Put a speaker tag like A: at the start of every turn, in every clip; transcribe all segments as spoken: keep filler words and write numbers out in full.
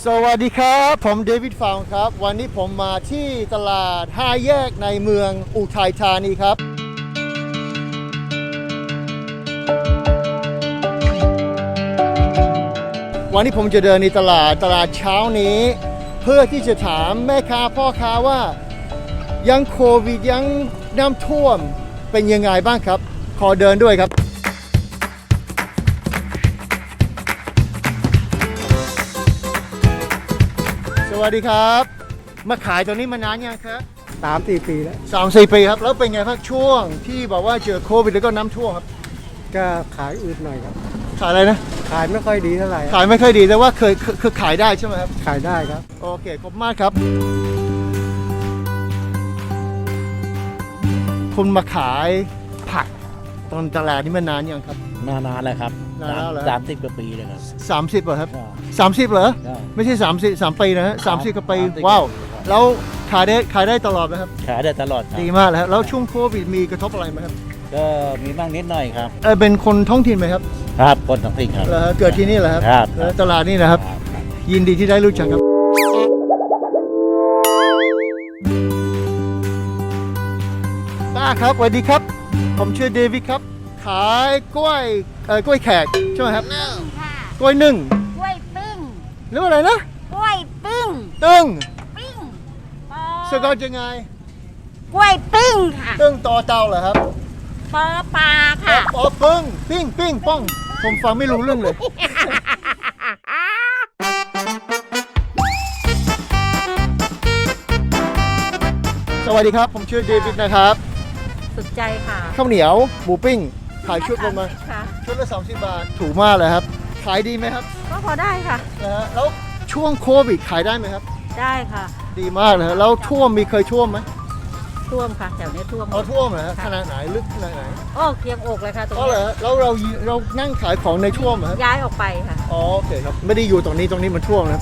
A: สวัสดีครับผมเดวิดฟาวครับวันนี้ผมมาที่ตลาดห้าแยกในเมืองอุทัยธานีครับวันนี้ผมจะเดินในตลาดตลาดเช้านี้เพื่อที่จะถามแม่ค้าพ่อค้าว่ายังโควิดยังน้ำท่วมเป็นยังไงบ้างครับขอเดินด้วยครับสวัสดีครับมาขายตรงนี้มานานยังครับ
B: สามสี่ปีแล้ว
A: สามสี่ปีครับแล้วเป็นไงครับช่วงที่บอกว่าเจอโควิดแล้วก็น้ำท่วมครับ
B: ก็ขายอืดหน่อยครับ
A: ขายอะไรนะ
B: ขายไม่ค่อยดีเท่าไหร่
A: ขายไม่ค่อยดีแต่ว่าเคยคือขายได้ใช่ไหมครับ
B: ขายได้ครับ
A: โอเคขอบคุณมากครับคุณมาขายผักตอนตลาดนี้มานานยังครับ
C: มานานแล้วครับ
A: นานแล้วเหรอ
C: สามสิบกว่าปีเลยครับ
A: สามสิบเหรอครับสามสิบเหรอไม่ใช่สามสิบสามปีนะฮะสามสิบกว่าปีว้าวแล้วขายได้ขายได้ตลอดไหมครับ
C: ขายได้ตลอด
A: ดีมากเลยแล้วช่วงโควิดมีกระทบอะไรไหมครับ
C: ก็มีบ้างนิดหน่อยครับ
A: เออเป็นคนท้องถิ่นไหมครับ
C: ครับคนท้องถิ่นครับ
A: เหรอเกิดที่นี่เหรอครับ
C: ครับ
A: ตลาดนี่นะครับยินดีที่ได้รู้จักครับป้าครับสวัสดีครับผมชื่อเดวิดครับขายกล้วยเอ่อกล้วยแขกใช่ไหมครับ
D: นึ่งค่ะ
A: กล้วยนึ่ง
D: กล้วยปิ้ง
A: หรืออะไรนะ
D: กล้วยปิ้ง
A: ตึ้ง
D: ปิ้ง
A: สะกดยังไง
D: กล้วยปิ้งค่ะ
A: ตึ้งต่อเตาเหรอครับ
D: ปอปลาค่ะ
A: อ๋อปึ้งปิ้งปิ้งป้องผมฟังไม่รู้เรื่องเลยสวัสดีครับผมชื่อเดวิดนะครับ
D: สุดใจค่ะ
A: ข้าวเหนียวหมูปิ้งขายชุดประมาณชุดละสามสิบบาทถูกมากเลยครับขายดีไหมครับ
D: ก็พอได้ค่ะ
A: นะฮะแล้วช่วงโควิดขายได้ไหมครับ
D: ได้ค่ะ
A: ดีมากเลยแล้วท่วมมีเคยท่วมไหม
D: ท่วมค่ะแถวนี้ท่วม
A: เอาท่วมเหรอขนาดไหนลึกขนาดไหน
D: โอ้เคียงอกเลยค่ะตรง
A: นี้แล้วเราเรานั่งขายของในท่วมเหรอ
D: ย้ายออกไปค่ะ
A: อ๋อโอเคครับไม่ได้อยู่ตรงนี้ตรงนี้มันท่วมนะ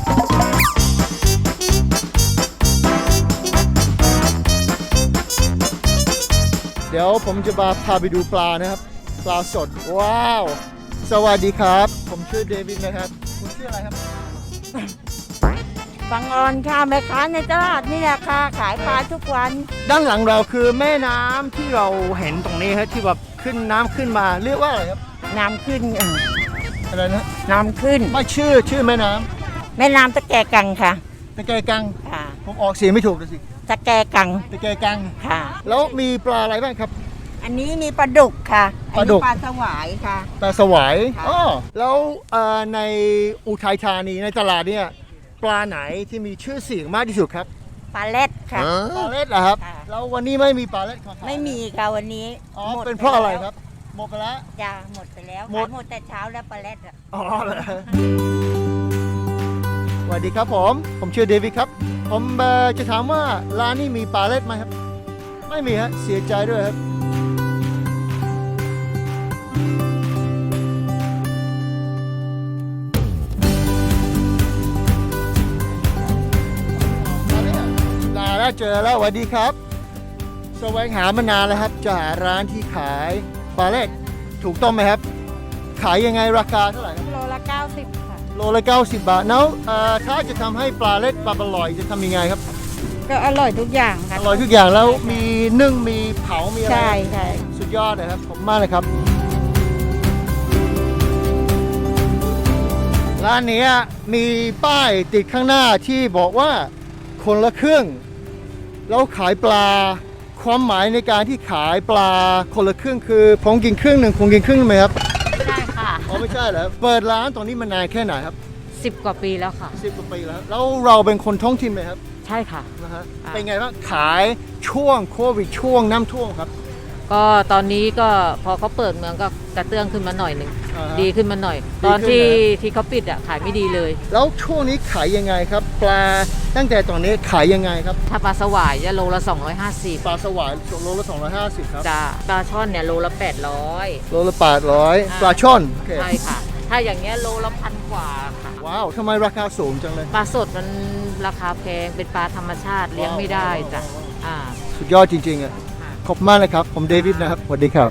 A: เดี๋ยวผมจะมาพาไปดูปลานะครับปลาสดว้าวสวัสดีครับผมชื่อเดวิดนะครับคุณชื่ออะไรครับ
D: บังออนค่ะแม่ค้าในตลาดนี่แหละค่ะขายปลาทุกวัน
A: ด้านหลังเราคือแม่น้ำที่เราเห็นตรงนี้ครับที่แบบขึ้นน้ำขึ้นมาเรียกว่าอะไรครับ
D: น้ำขึ้น
A: อะไรนะ
D: น้ำขึ้น
A: ไม่ชื่อชื่อแม่น้
D: ำแม่น้ำตะแกกังค่ะ
A: ตะแกกัง
D: ค่ะ
A: ผมออกเสียงไม่ถูกเลยสิ
D: ตะแกกัง
A: ตะแกกัง
D: ค่ะ
A: แล้วมีปลาอะไรบ้างครับ
D: อันนี้มีปลาดุกค่ะ
A: ปลาดุก
D: ปลาสวายค่ะ
A: ปลาสวายอ๋อแล้วในอุทัยธานีในตลาดเนี่ยปลาไหนที่มีชื่อเสียงมากที่สุดครับ
D: ปลาเล็ดค่ะ
A: ปลาเล็ดเหรอครับแล้ววันนี้ไม่มีปลาเล็ดขาย
D: ไม่มีค่ะวันนี้
A: อ๋อเป็นเพราะอะไรครับหมดไปแล้ว
D: จ้าหมดไปแล้วหมดหมดแต่เช้าแล้วปลาเล็ดอ่ะ
A: อ๋อเหรอสวัสดีครับผมผมชื่อเดวิดครับผมจะถามว่าร้านนี้มีปลาเล็ดไหมครับไม่มีฮะเสียใจด้วยครับเจอแล้วสวัสดีครับแสวงหามานานแล้วครับจะหาร้านที่ขายปลาเล็ดถูกต้องไหมครับขายยังไงราคาเท่าไหร่
D: โลละเก้าสิบค่ะ
A: โลละเก้าสิบบาทแล้วถ้าจะทำให้ปลาเล็ดปลาอร่อยจะทำยังไงครับ
D: ก็อร่อยทุกอย่างค่ะ
A: อร่อยทุกอย่างแล้วมีนึ่งมีเผามีอะไร
D: ใช่ใช่
A: สุดยอดเลยครับผมมากเลยครับร้านนี้มีป้ายติดข้างหน้าที่บอกว่าคนละครึ่งแล้วขายปลาความหมายในการที่ขายปลาคนละครึ่งคือผมกินครึ่งหนึ่งคงกินครึ่งไหมครับ
D: ไม่ได้ค่ะ
A: อ๋อไม่ใช่เหรอเปิดร้านตรงนี้มานานแค่ไหนครับ
D: สิบกว่าปีแล้วค่ะ
A: สิบกว่าปีแล้วแล้วเราเป็นคนท้องถิ่นไหมครับ
D: ใช่ค่ะ
A: นะฮะเป็นไงบ้างขายช่วงโควิดช่วงน้ำท่วมครับ
E: ก็ตอนนี้ก็พอเขาเปิดเมืองก็กระเตื้องขึ้นมาหน่อยหนึ่งดีขึ้นมาหน่อยตอนที่ที่เขาปิดอ่ะขายไม่ดีเลย
A: แล้วช่วงนี้ขายยังไงครับปลาตั้งแต่ตอนนี้ขายยังไงครับ
E: ถ้าปลาสวายจะโลละสองร้อยห้าสิบ
A: ปลาสวายโลละสองร้อยห้าสิบครับ
E: จ้าปลาช่อนเนี่ยโลละแปดร้อย
A: โลละแปดร้อยปลาช่อน
E: ใช่ค่ะถ้าอย่างเงี้ยโลละพันกว่าค่ะ
A: ว้าวทำไมราคาสูงจังเลย
E: ปลาสดมันราคาแพงเป็นปลาธรรมชาติเลี้ยงไม่ได้จ้ะอ่า
A: สุดยอดจริงๆอ่ะขอบคุณมากเลยครับผมเดวิดนะครับสวัสดีครับ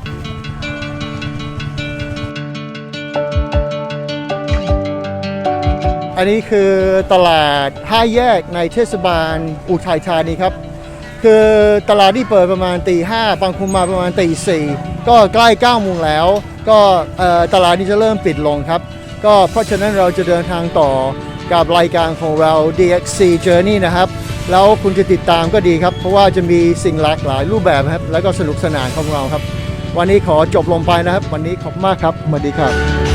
A: ไอนนี้คือตลาดห้าแยกในเทศบาลอุทัยธานีครับ คือตลาดที่เปิดประมาณตีห้าบางคนมาประมาณตีสี่ก็ใกล้เก้าโมงแล้ว ก็เอ่อตลาดนี้จะเริ่มปิดลงครับ ก็เพราะฉะนั้นเราจะเดินทางต่อกับรายการของเรา ดี เอ็กซ์ ซี Journey นะครับ แล้วคุณจะติดตามก็ดีครับ เพราะว่าจะมีสิ่งหลากหลายรูปแบบครับ แล้วก็สนุกสนานของเราครับ วันนี้ขอจบลงไปนะครับ วันนี้ขอบคุณมากครับสวัสดีครับ